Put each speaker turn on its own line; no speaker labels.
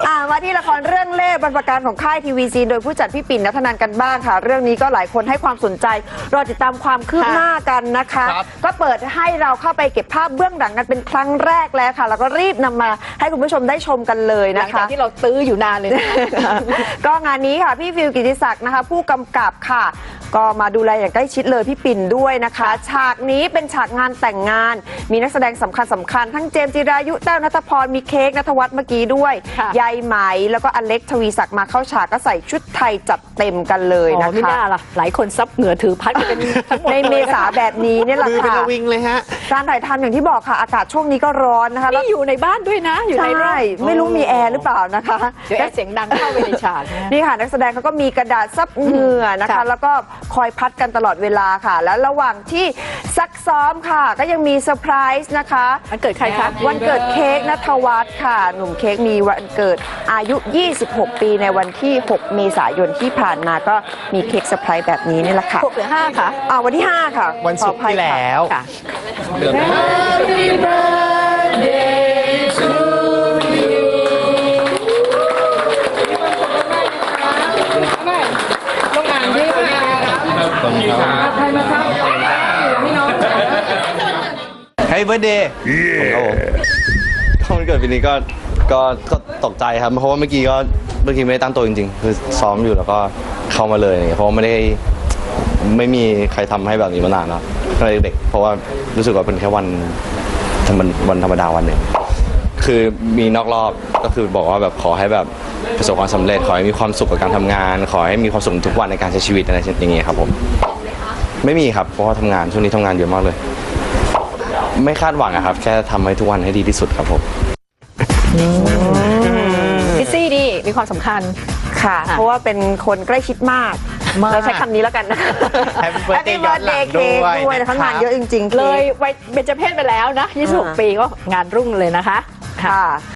มาที่ละครเรื่องเล่ห์บรรพการของค่ายทีวีซีโดยผู้จัดพี่ปิ่นณัฐนันท์กันบ้างค่ะเรื่องนี้ก็หลายคนให้ความสนใจรอติดตามความคืบหน้ากันนะคะก็เปิดให้เราเข้าไปเก็บภาพเบื้องหลังกันเป็นครั้งแรกแล้วค่ะแล้วก็รีบนำมาให้คุณผู้ชมได้ชมกันเลยนะคะหลังจาก
ที่เราตื้ออยู่นานเลย
ก็งานนี้ค่ะพี่ฟิลกิติศักดิ์นะคะผู้กำกับค่ะก็มาดูแลอย่างใกล้ชิดเลยพี่ปิ่นด้วยนะคะฉากนี้เป็นฉากงานแต่งงานมีนักแสดงสำคัญทั้งเจมส์จิรายุแต้วณัฐพรมีเค้กณัฐวัฒน์เมื่อกี้ด้วยยายไหมแล้วก็อเล็กทวีศักดิ์มาเข้าฉากก็ใส่ชุดไทยจัดเต็มกันเลยนะคะ
ไม่น่าล่ะหลายคนซับเหงื่อถือพัดกันเป็นทั้งหมด
ในเมษาแบบนี้เนี่ยแหละค่ะ
เป็นระวิงเลยฮะ
การถ่ายทำอย่างที่บอกค่ะอากาศช่วงนี้ก็ร้อนนะคะ
แล้วอยู่ในบ้านด้วยนะอยู่ในร่ม
ไม่รู้มีแอร์หรือเปล่านะคะ
เดี๋ยวแอร์เสียงดังเข้าไปในฉาก
นี่ค่ะนักแสดงเขาก็มีกระดาษซับเหงื่อนะคะแล้วก็คอยพัดกันตลอดเวลาค่ะแล้วระหว่างที่ซักซ้อมค่ะก็ยังมีเซอร์ไพรส์นะคะ
วันเกิดใครคะ
วันเกิดเค้กณัฐวัฒน์ค่ะหนุ่มเค้กมีวันเกิดอายุ26 ปีในวันที่6 เมษายนที่ผ่านมาก็มีเค้กเซอร์ไพรส์แบบนี้นี่แหละค่ะ
6 หรือ 5ค่ะ
วันที่5ค่ะ
วันศุกร์ที่แล้ว
ค่ะ
Happy birthday to you ต้องอ่านด้วยนะใครมาครับพี่น้อง
Happy birthday ครับผมวันเกิดปีนี้ก็ตกใจครับเพราะว่าเมื่อกี้ไม่ได้ตั้งตัวจริงๆคือซ้อมอยู่แล้วก็เข้ามาเลยเพราะว่าไม่มีใครทำให้แบบนี้มานานแล้วตั้งแต่เด็กเพราะว่ารู้สึกว่าเป็นแค่วันธรรมดาวันหนึ่งคือมีนอกรอบก็คือบอกว่าแบบขอให้แบบประสบความสำเร็จขอให้มีความสุขกับการทำงานขอให้มีความสุขทุกวันในการใช้ชีวิตอะไรอย่างเงี้ยครับผมไม่มีครับเพราะว่าทำงานช่วงนี้ทำงานเยอะมากเลยไม่คาดหวังอะครับแค่ทำให้ทุกวันให้ดีที่สุดครับผม
พิซซี่ดีมีความสำคัญ
ค่ะเพราะว่าเป็นคนใกล้ชิดมากเราใช้คำนี้แล้วกันนะ
Happy birthday
ย้อนหลังด้วยนะคะงานเยอะจริงๆ
เลยวัยเบญจเพศไปแล้วนะ26 ปีก็งานรุ่งเลยนะคะ
ค่ะ